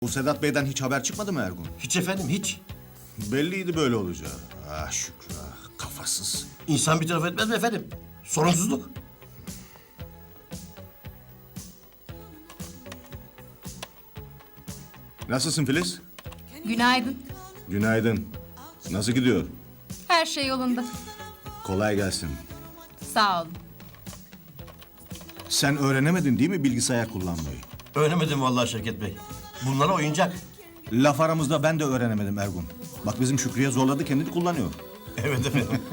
Bu Sedat Bey'den hiç haber çıkmadı mı Ergun? Hiç efendim, hiç. Belliydi böyle olacağı. Ah Şükrü kafasız. İnsan bir taraf etmez mi efendim? Sorunsuzluk. Nasılsın Filiz? Günaydın. Günaydın. Nasıl gidiyor? Her şey yolunda. Kolay gelsin. Sağ olun. Sen öğrenemedin değil mi bilgisayar kullanmayı? Öğrenemedim vallahi Şevket Bey. Bunlara oyuncak. Laf aramızda ben de öğrenemedim Ergun. Bak bizim Şükrü'ye zorladı kendini kullanıyor. Evet efendim.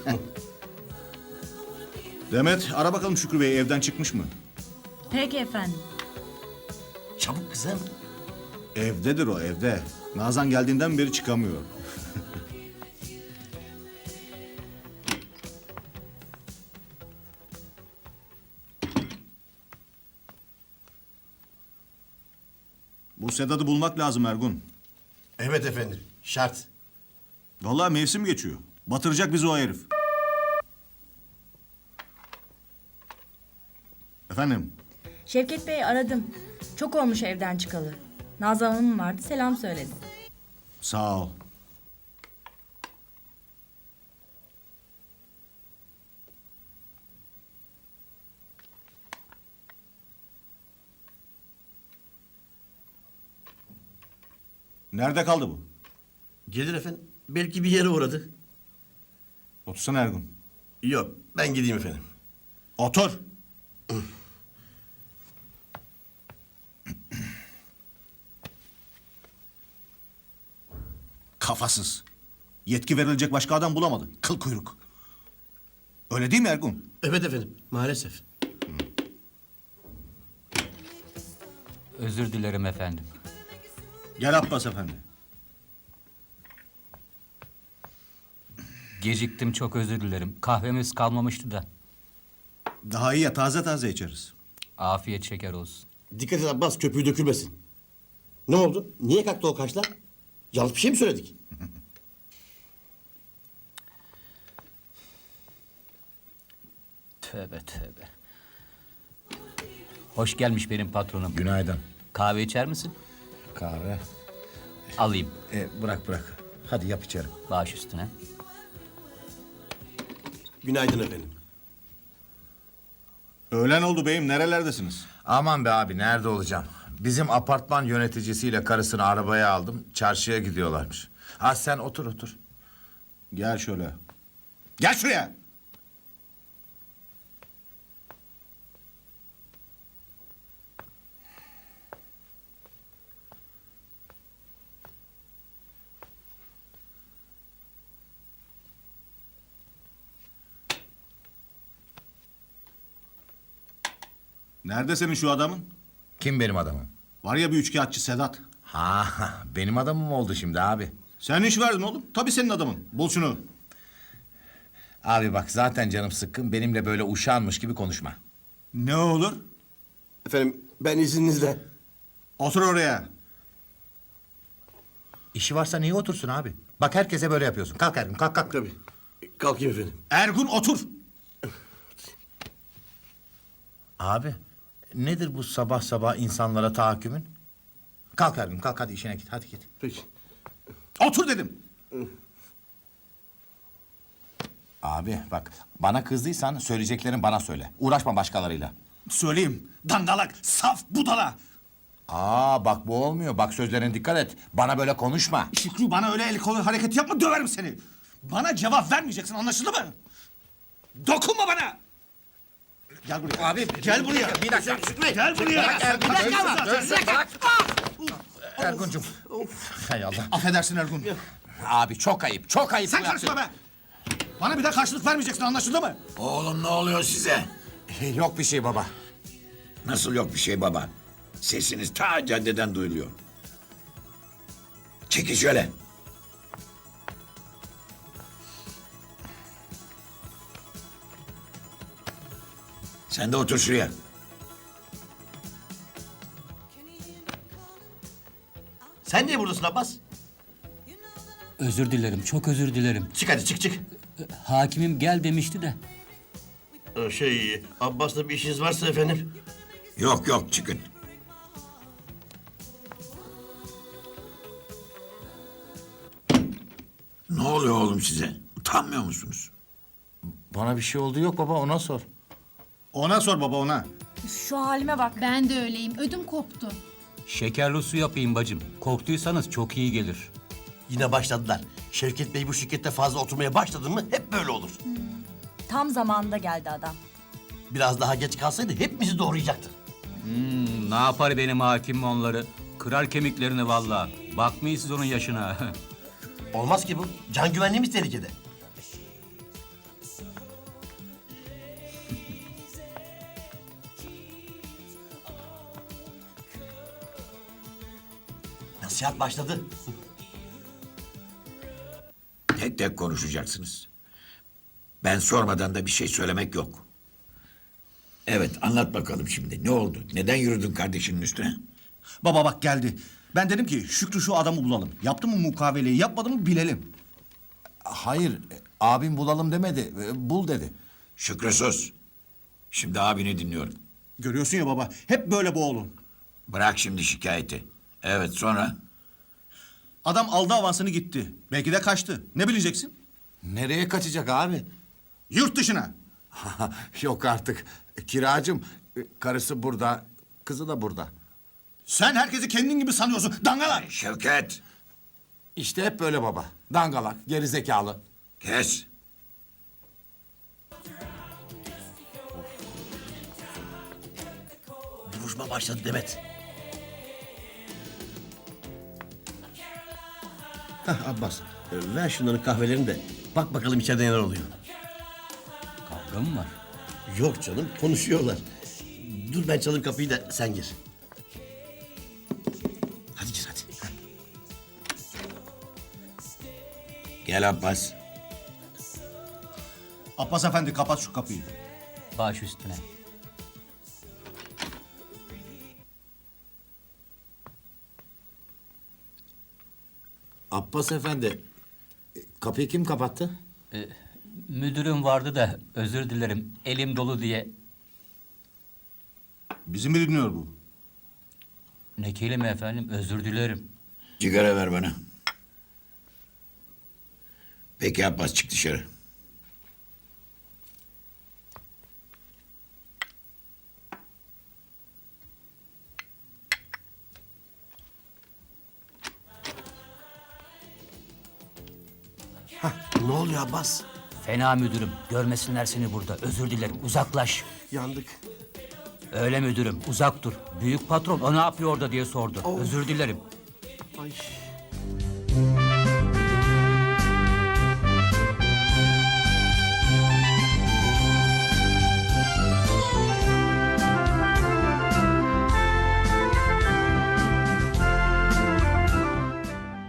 Demet ara bakalım Şükrü Bey evden çıkmış mı? Peki efendim. Çabuk kızım. Evdedir o evde. Nazan geldiğinden beri çıkamıyor. Bu Sedat'ı bulmak lazım Ergun. Evet efendim, şart. Vallahi mevsim geçiyor. Batıracak bizi o herif. Efendim? Şevket Bey'i aradım. Çok olmuş evden çıkalı. Nazan Hanım vardı, selam söyledi. Sağ ol. Nerede kaldı bu? Gelir efendim. Belki bir yere uğradı. Otursana Ergun. Yok, ben gideyim efendim. Otur. Kafasız. Yetki verilecek başka adam bulamadı. Kıl kuyruk. Öyle değil mi Ergun? Evet efendim, maalesef. Özür dilerim efendim. Gel Abbas efendi. Geciktim, çok özür dilerim. Kahvemiz kalmamıştı da. Daha iyi ya taze taze içeriz. Afiyet şeker olsun. Dikkat et Abbas, köpüğü dökülmesin. Ne oldu? Niye kalktı o kaşlar? Yanlış bir şey mi söyledik? Tövbe tövbe. Hoş gelmiş benim patronum. Günaydın. Kahve içer misin? Kahve. Alayım. Bırak. Hadi yap içerim. Baş üstüne. Günaydın efendim. Öğlen oldu beyim nerelerdesiniz? Aman be abi nerede olacağım? Bizim apartman yöneticisiyle karısını arabaya aldım. Çarşıya gidiyorlarmış. Ha sen otur. Gel şöyle. Gel şuraya. Nerede senin şu adamın? Kim benim adamım? Var ya bir üçkağıtçı Sedat. Ha benim adamım oldu şimdi abi. Sen iş verdin oğlum. Tabii senin adamın. Bul şunu. Abi bak zaten canım sıkkın. Benimle böyle uşağınmış gibi konuşma. Ne olur? Efendim, ben izninizle. Otur oraya. İşi varsa niye otursun abi? Bak herkese böyle yapıyorsun. Kalk Ergun kalk. Tabii. Kalkayım efendim. Ergun otur. Abi nedir bu sabah sabah insanlara tahakkümün? Kalk Ergun kalk hadi işine git hadi git. Peki. Otur dedim. Abi bak bana kızdıysan söyleyeceklerini bana söyle. Uğraşma başkalarıyla. Söyleyeyim. Dangalak, saf, budala. Bak bu olmuyor. Bak sözlerine dikkat et. Bana böyle konuşma. Şükrü bana öyle el kolu hareket yapma döverim seni. Bana cevap vermeyeceksin anlaşıldı mı? Dokunma bana. Gel buraya. Abi Gel buraya. Bir dakika. Gel buraya. Ergun'cum. Hay Allah. Affedersin Ergun. Abi çok ayıp. Çok ayıp. Sen bu karışma yaptığın. be. Bana bir de karşılık vermeyeceksin anlaşıldı mı? Oğlum ne oluyor size? Yok bir şey baba. Nasıl yok bir şey baba? Sesiniz ta caddeden duyuluyor. Çekil şöyle. Sen de otur şuraya. Sen niye buradasın Abbas? Özür dilerim, çok özür dilerim. Çık hadi, çık. Hakimim gel demişti de. Abbas'la bir işiniz varsa efendim. Yok çıkın. Ne oluyor oğlum size? Utanmıyor musunuz? Bana bir şey oldu yok baba, ona sor. Ona sor baba ona. Şu halime bak. Ben de öyleyim. Ödüm koptu. Şekerli su yapayım bacım. Korktuysanız çok iyi gelir. Yine başladılar. Şevket Bey bu şirkette fazla oturmaya başladı mı hep böyle olur. Tam zamanında geldi adam. Biraz daha geç kalsaydı hepimizi doğrayacaktı. Ne yapar benim hakim onları? Kırar kemiklerini vallahi. Bakmayın siz onun yaşına. Olmaz ki bu. Can güvenliğimiz tehlikede. Nasihat başladı. Tek tek konuşacaksınız. Ben sormadan da bir şey söylemek yok. Evet, anlat bakalım şimdi. Ne oldu? Neden yürüdün kardeşinin üstüne? Baba bak geldi. Ben dedim ki Şükrü şu adamı bulalım. Yaptı mı mukaveleyi, yapmadı mı bilelim. Hayır, abim bulalım demedi, bul dedi. Şükrü sus. Şimdi abini dinliyorum. Görüyorsun ya baba, hep böyle bu oğlum. Bırak şimdi şikayeti. Evet, sonra? Adam aldı avansını gitti. Belki de kaçtı. Ne bileceksin? Nereye kaçacak abi? Yurt dışına. Yok artık. Kiracım, karısı burada, kızı da burada. Sen herkesi kendin gibi sanıyorsun. Dangalak. Şevket, İşte hep böyle baba. Dangalak, gerizekalı. kes. Duruşma başladı Demet. Hah Abbas, ver şunların kahvelerini de bak bakalım içeride neler oluyor. Kavga mı var? Yok canım, konuşuyorlar. Dur ben çalayım kapıyı da sen gir. Hadi gir hadi. Gel Abbas. Abbas efendi kapat şu kapıyı. Baş üstüne. Abbas efendi, kapıyı kim kapattı? Müdürüm vardı da özür dilerim. Elim dolu diye. Bizi mi dinliyor bu? Ne kelime efendim, özür dilerim. Sigara ver bana. Peki Abbas, çık dışarı. Ne oluyor Abbas? Fena müdürüm. Görmesinler seni burada. Özür dilerim. Uzaklaş. Yandık. Öyle müdürüm. Uzak dur. Büyük patron o ne yapıyor orada diye sordu. Özür dilerim. Ay.